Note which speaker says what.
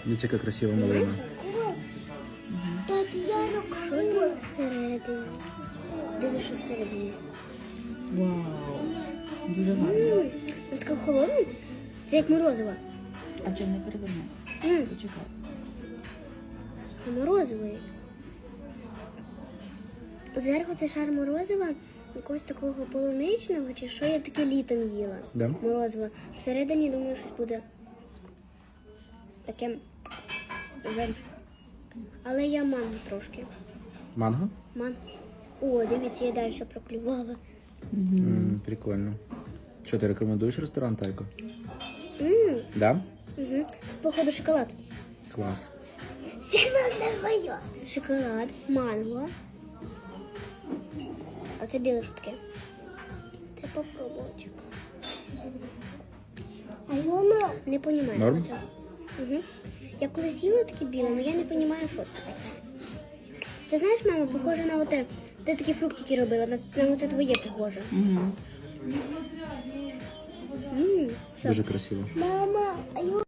Speaker 1: Дивіться, яка красива малина.
Speaker 2: Так я люблю всередині. Дивись, що всередині.
Speaker 3: Вау. Дуже гарно.
Speaker 2: Вона така холодна. Це як морозиво.
Speaker 3: А чому не перевернув? Почекай.
Speaker 2: Це морозиво. Зверху це шар морозива, якогось такого полуничного, чи що я таке літом їла.
Speaker 1: Да?
Speaker 2: Морозиво. Всередині, думаю, щось буде таке. Але я манго трошки.
Speaker 1: Манго?
Speaker 2: Манго. О, дивіться, я далі проклювала.
Speaker 1: Прикольно. Що, ти рекомендуєш ресторан Тайко?
Speaker 2: Ммм.
Speaker 1: Да?
Speaker 2: Угу. Походу шоколад.
Speaker 1: Клас.
Speaker 2: Це моє. Шоколад, манго. А це біле що таке? Це попробувати. А воно не розумію.
Speaker 1: Норм?
Speaker 2: Угу. Я колись їла таке біле, але я не розумію, що це таке. Ти знаєш, мама, похоже на оте. Ти такі фруктики робила, на оце твоє похоже.
Speaker 3: Угу.
Speaker 2: Все.
Speaker 1: Дуже красиво.
Speaker 2: Мама, а його